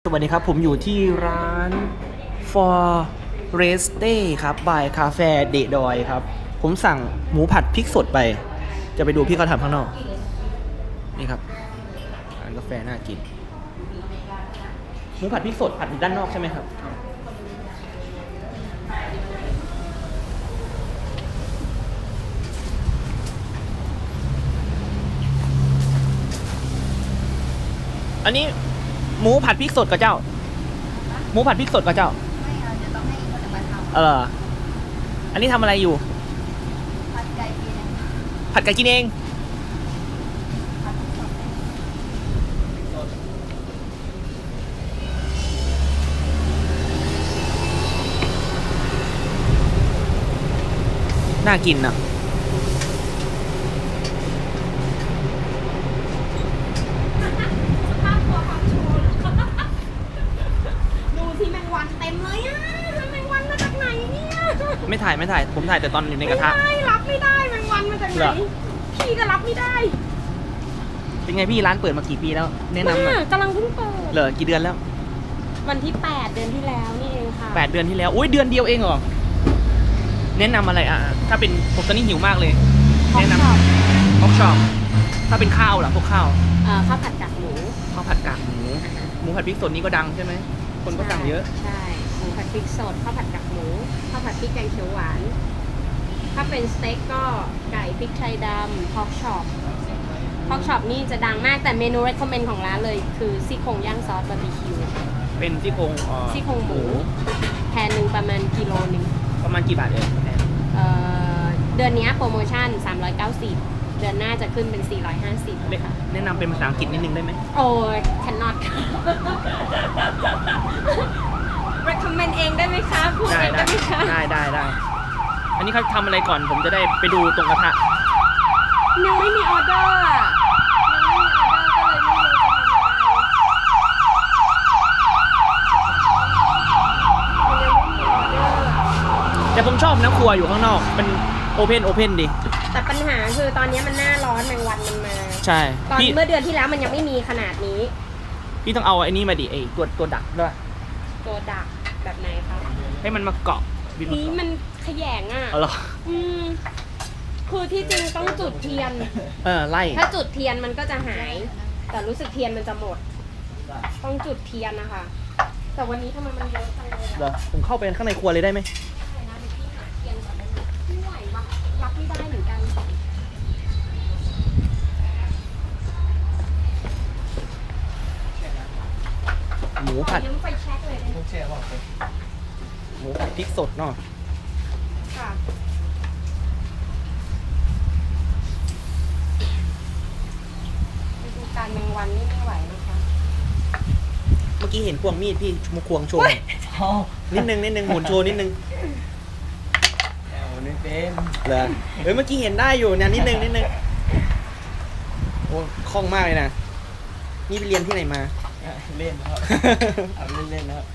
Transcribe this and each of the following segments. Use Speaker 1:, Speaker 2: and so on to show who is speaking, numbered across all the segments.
Speaker 1: สวัสดีครับผมอยู่ที่ร้าน Foreste ครับ by Cafe de Doi ครับ ผมสั่งหมูผัดพริกสดไป จะไปดูพี่เขาทำข้างนอก นี่ครับร้านกาแฟน่ากิน หมูผัดพริกสดผัดอยู่ด้านนอกใช่ไหมครับ อันนี้หมูผัดพริกสดกับเจ้า หมูผัดพริกสดกับเจ้า
Speaker 2: ไม่เอาเดี๋ยวต้องให้อีกคนมาท
Speaker 1: อันนี้ทำอะไรอยู่
Speaker 2: ำผัดไก่กิน
Speaker 1: ผัดไก่กินเอง
Speaker 2: ผัดสด
Speaker 1: น่ากินนะ
Speaker 2: ดูสิแมงวันเต็มเลยอ่ะแมงวันมาจากไหนเนี่ย
Speaker 1: ไม่ถ่าย ผมถ่ายแต่ตอนอยู่ในกระทะ
Speaker 2: ไม่รับไม่ได้แมงวันมาจากไห
Speaker 1: เห
Speaker 2: น
Speaker 1: รอ
Speaker 2: พี่ก็รับไม่ได้
Speaker 1: เป็นไงพี่ร้านเปิดมากี่ปีแล้ว แนะนำหน่อย
Speaker 2: กำลังเพิ่งเปิด
Speaker 1: เหรอกี่เดือนแล้ว
Speaker 2: วันที่ 8 เดือนที่แล้วนี่เองค่ะ
Speaker 1: 8 เดือนที่แล้วอุ้ยเดือนเดียวเองเหรอ แนะนำอะไรถ้าเป็นผมตอนนี้หิวมากเลย
Speaker 2: ฮอก
Speaker 1: แนะน
Speaker 2: ช็อป
Speaker 1: ำฮอกช็อปถ้าเป็นข้าวล่ะพวกข้าว
Speaker 2: ข้าวผัดกากหมู
Speaker 1: ข้าวผัดกากหมูหมูผัดพริกสดนี่ก็ดังใช่ไหมคนก็สั่งเยอะ
Speaker 2: ใช่หมูผัดพริกสดข้าวผัดกากหมูข้าวผัดพริกแกงเขียวหวาน ถ้าเป็นสเต็กก็ไก่พริกไทยดำฮอกช็อปฮอกช็อปนี่จะดังมากแต่เมนู recommend ของร้านเลยคือซี่โครงย่างซอสบาร์บีคิว
Speaker 1: เป็นซี่โครง
Speaker 2: ซี่โครงหมูแพนหนึ่งประมาณกิโลหนึ่ง
Speaker 1: ประมาณกี่บาทเอ่ย
Speaker 2: เดือนนี้โปรโมชั่น 390 เดือนหน้าจะขึ้นเป็น 450ค่ะ
Speaker 1: แนะนำเป็นภาษาอังกฤษนิดนึงได้ไหม
Speaker 2: โอ้ย cannot recommend เองได้ไหมคะพูดเองได้ไหมคะ
Speaker 1: ได้อันนี้เขาทำอะไรก่อนผมจะได้ไปดูตรงกระทะ
Speaker 2: ยังไม่มีออเดอร์อะยังไม่มีออเดอร์ก็เลยไม่รู้จะทำอะไรมันยังไม่มีออเดอร์
Speaker 1: แต่ผมชอบนะครัวอยู่ข้างนอกเป็นโอเพนดี
Speaker 2: แต่ปัญหาคือตอนนี้มันหน้าร้อนแมงวันมันมา
Speaker 1: ใช่
Speaker 2: ตอน
Speaker 1: พี่
Speaker 2: เมื่อเดือนที่แล้วมันยังไม่มีขนาดนี้
Speaker 1: พี่ต้องเอาไอ้นี่มาดิไอ้ตัวดักด้วย
Speaker 2: ตัวดักแบบไหนคะ
Speaker 1: ให้มันมาเกาะบินมา
Speaker 2: นี้
Speaker 1: เกาะ
Speaker 2: มันขยงอ่ะ
Speaker 1: เอาเหรอ
Speaker 2: อืมคือที่จริงต้องจุดเทียน
Speaker 1: ไล่
Speaker 2: ถ้าจุดเทียนมันก็จะหาย แต่รู้สึกเทียนมันจะหมด ต้องจุดเทียนนะคะ แต่วันนี้ทำไมมันเยอะจังเลย
Speaker 1: เหร
Speaker 2: อะ
Speaker 1: อผมเข้าไปข้างในครัวเลยได้ไหม
Speaker 2: ได้นะเดี๋ยวพี่หาเทียนก่อนได้ไหมไม่ไหววะรับไม่ได้เหมือนกัน
Speaker 1: หมูผัด
Speaker 2: ขอยืมไฟแช็กเลยได้ไหม
Speaker 1: หมูผัดพริกสดเนาะ
Speaker 2: ค่ะไปดูการแมงวันนี่ไม่ไหวนะคะ
Speaker 1: เมื่อกี้เห็นควงมีดพี่มาควงโชว์นิดนึงหมุนโชว์นิดนึง
Speaker 3: ไม่เป็น
Speaker 1: เหรอเมื่อกี้เห็นได้อยู่เนี่ยนิดนึงโอ้คล่องมากเลยนะนี่ไปเรียนที่ไหนมา
Speaker 3: เล่นครับเอาเล่นนะครับ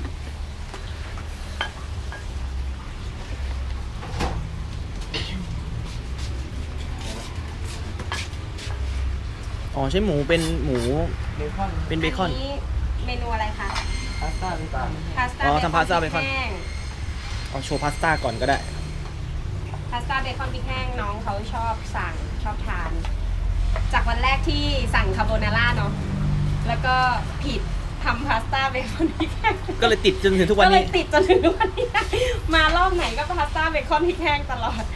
Speaker 1: อ๋อใช้หมูเป็นหมู
Speaker 3: เบคอน
Speaker 1: เป็นเบคอน
Speaker 2: นี้เมนูอะไรคะ
Speaker 3: พาสต้าเบคอน
Speaker 2: พาสต้า
Speaker 1: อ๋อทำพาสต้าเบคอน
Speaker 2: พริกแห้ง
Speaker 1: เอาโชว์พาสต้าก่อนก็ได้
Speaker 2: พาสต้าเบคอนพริกแห้งน้องเขาชอบทาน จากวันแรกที่สั่งคาโบนาร่าเนาะแล้วก็ผิดทำพาสต้าเบคอนพริกแห้ง
Speaker 1: ก็เลยติดจนถึงทุกวัน
Speaker 2: ก็เล
Speaker 1: นี้
Speaker 2: ยติดจนถึงวันนี้ มารอบไหนก็พาสต้าเบคอนพริกแห้งตลอด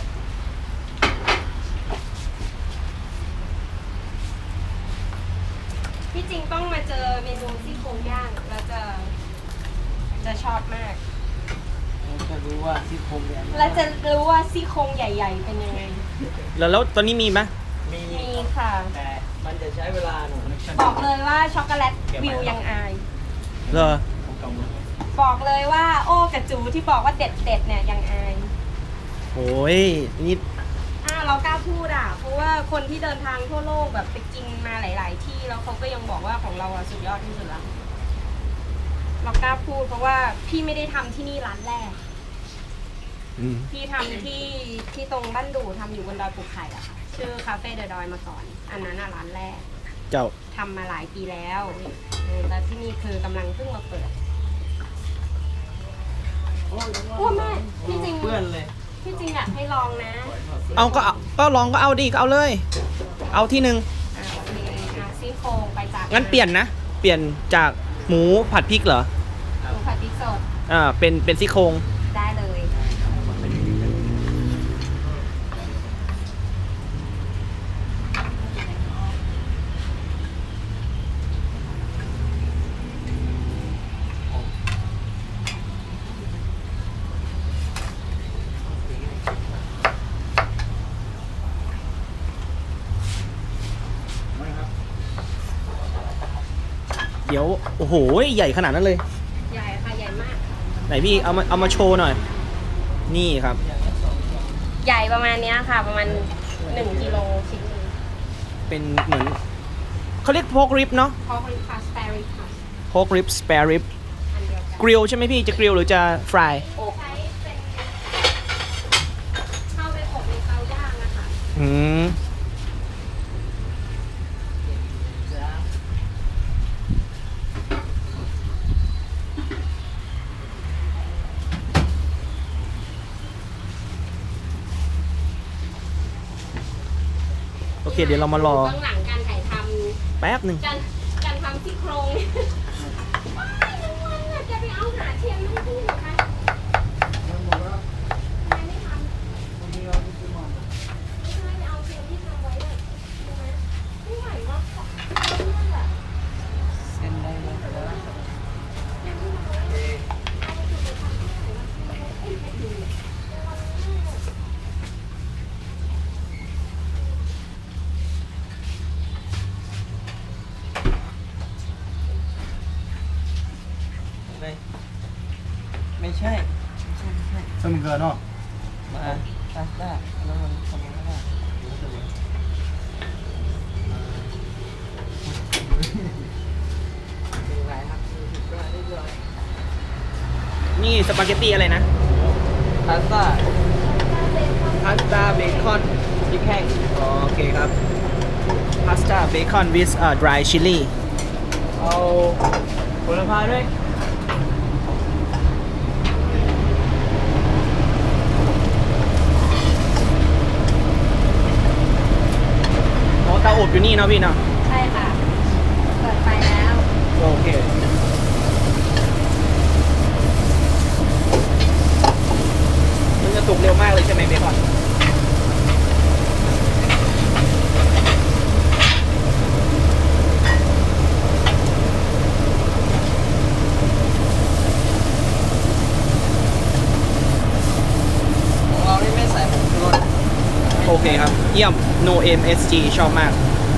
Speaker 2: ที่จริงต้องมาเจอเมนูซี่โครงย่างแล้วจะชอบมาก
Speaker 3: จะรู้ว่าซี่โครงเนี่ย
Speaker 2: และจะรู้ว่าซี่โครงใหญ่ ๆ เป็นยังไง
Speaker 1: แล้วตอนนี้มีไหม
Speaker 3: มี
Speaker 2: มีค่ะ
Speaker 3: แต่มันจะใช้เวลาหน่อย
Speaker 2: บอกเลยว่าช็อกโกแลตวิวยังอาย
Speaker 1: เหรอ
Speaker 2: บอกเลยว่าโอ้กับจูที่บอกว่าเด็ดเนี่ยยังอาย
Speaker 1: โอ้ยนี่
Speaker 2: เรากล้าพูดอ่ะ เพราะว่าคนที่เดินทางทั่วโลกแบบไปกินมาหลาย ๆ ที่แล้วเขาก็ยังบอกว่าของเราสุดยอดที่สุดแล้วเรากล้าพูดเพราะว่าพี่ไม่ได้ทำที่นี่ร้านแรก
Speaker 1: อืม
Speaker 2: พี่ทำที่ตรงบ้านดูทำอยู่บนดอยปูไข่อะค่ะ ชื่อคาเฟ่เดอะดอยมาก่อน อันนั้นร้านแรก
Speaker 1: เจ้า
Speaker 2: ทำมาหลายปีแล้วแล้วที่นี่คือกำลังเพิ่งมาเปิดโอ้แม่ที่จริง
Speaker 3: เพื่อนเลย
Speaker 2: ที่จริงอยากให้ลองนะ
Speaker 1: เอาก็ลองก็เอาดิก็เอาเลย เอาที่หนึ่ง
Speaker 2: โอเคซี่โครงไปจาก
Speaker 1: งั้นเปลี่ยนนะ เปลี่ยนจากหมูผัดพริกเหรอ
Speaker 2: หมูผัดพริกสด
Speaker 1: เป็นซี่โครง
Speaker 2: ได้เลย
Speaker 1: เดี๋ยวโอ้โหใหญ่ขนาดนั้นเลย
Speaker 2: ใหญ่ค่ะใหญ่มาก
Speaker 1: ไหนพี่เอามาโชว์หน่อย นี่ครับ
Speaker 2: ใหญ่ประมาณเนี้ยค่ะ ประมาณ1 กิโลชิ้นหนึง
Speaker 1: เป็นเหมือนเขาเรียกโพกริบเนาะ
Speaker 2: พอเป็นพาสต้าริค่ะ
Speaker 1: โพกริบสเปรริบ
Speaker 2: อันเดียวกัน
Speaker 1: กริลใช่ไหมพี่จะกริลหรือจะฟราย
Speaker 2: อบเข้าไปอบในเตาย่างนะคะ
Speaker 1: อืมโอเค เดี๋ยวเรามารอ
Speaker 2: เบื้องหลังการถ่ายท
Speaker 1: แป๊บหนึ่ง
Speaker 2: ำการทำซี่โครงว้ายน้องวันน่ะจะไปเอาหาเทียมมาให้พี่เหรอคะทำไมไม่ทำไม่ใช่ไปเอาเทียมที่ทำไว้เลยใช่ไหมไม่ไหววะของนั่นแหละ
Speaker 3: เส้นได้เลยนะอะไรไม่ใช่
Speaker 4: ซึ่งมันเกินเนาะ
Speaker 3: มาพาสต้าแล้วมันทำยังไงได้เป็นไรครับก็ได้เลย
Speaker 1: นี่สปาเกตตี้อะไรนะ
Speaker 3: พาสต้า
Speaker 1: พาสต้าเบคอน
Speaker 3: พริกแห้ง
Speaker 1: โอเคครับพาสต้าเบคอน with dry chili
Speaker 3: เอาผลไม้ด้วย
Speaker 1: อ๋อเตาอบอยู่นี่เนาะพี่เนาะ
Speaker 2: ใช่ค่ะ เปิดไฟแล้ว
Speaker 1: โอเค มันจะสุกเร็วมากเลยใช่ไหมเบคอน
Speaker 3: ของเรานี่ไม่ใส่ผงชูรส
Speaker 1: โอเคครับ เยี่ยม no MSG ชอบมาก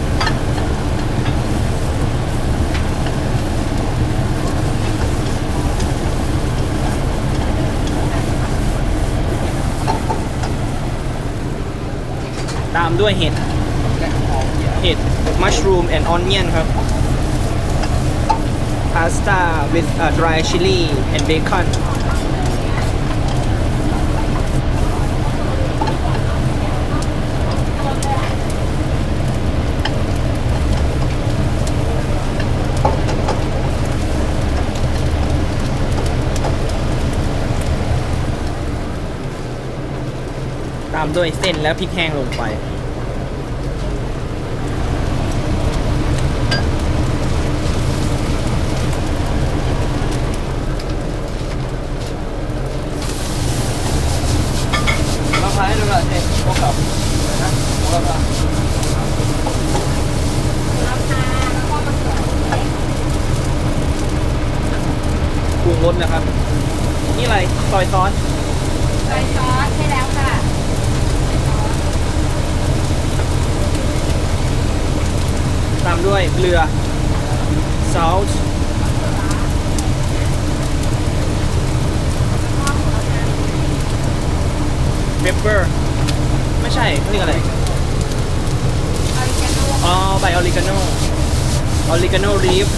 Speaker 1: ตามด้วยเห็ด
Speaker 3: และหอมเยอะ
Speaker 1: เห็ด mushroom and onion ครับ pasta with dry chili and bacon ตามด้วยเส้นและพริกแห้งลงไป
Speaker 3: มะพร้าวให้ดูหน่อยสิพวกกับนะพวกกับ
Speaker 2: แล้วค่ะแล้วก็มะเขือเทศ
Speaker 1: ปรุงรสนะครับ นี่อะไรซอยซอส
Speaker 2: ซอยซอสใช่แล้วค่ะ
Speaker 1: ตามด้วยเกลือ salt pepper ไม่ใช่เขาเรียกอะไร
Speaker 2: ออริกาโน่
Speaker 1: อ๋อใบออริกาโนออริกาโนลีฟ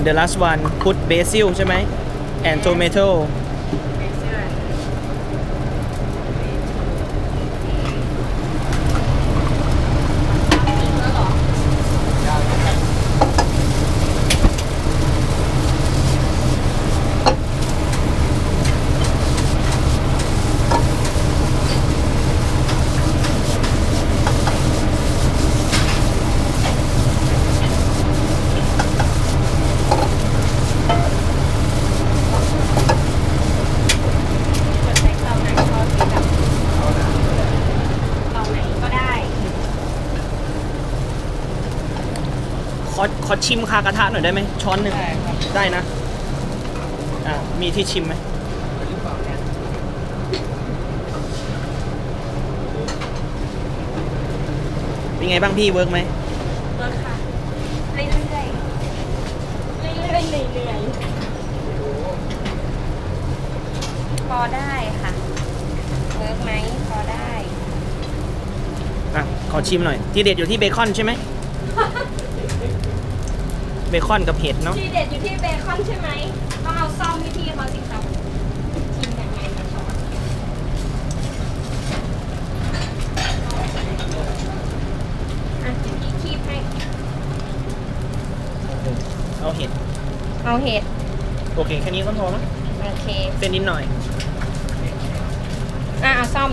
Speaker 1: and the last one put basil ใช่ไหม and tomato
Speaker 2: จะใช้เตาไหนทอดที่แบบเตาไหนก็ได้
Speaker 1: ขอชิมคากระทะหน่อยได้ไหมช้อนหนึ่ง
Speaker 3: ได้ครับ
Speaker 1: ได้นะ มีที่ชิมไหม
Speaker 3: หรือเปล่าเนี่ย
Speaker 1: เป็นไงบ้างพี่เวิร์กไหม
Speaker 2: เวิร์คค่ะเรื่อยๆเรื่อยๆเรื่อยๆพอได้ค่ะเวิร์กไหมพอได้
Speaker 1: ขอชิมหน่อย ที่เด็ดอยู่ที่เบคอนใช่ไหม เบคอนกับเห็ดเนาะ
Speaker 2: ที่เด็ดอยู่ที่เบคอนใช่ไหมต้องเอาซ่อมให้พี่เขาสิครับชิมยังไงนะช้อนอ่ะเดี๋ยวพี่คีบให้
Speaker 1: เอาเห็ด
Speaker 2: เอาเห็ด
Speaker 1: โอเค แค่นี้ก็พอแล้ว
Speaker 2: โอเค
Speaker 1: เส้นนิดหน่อย
Speaker 2: เอาซ่อม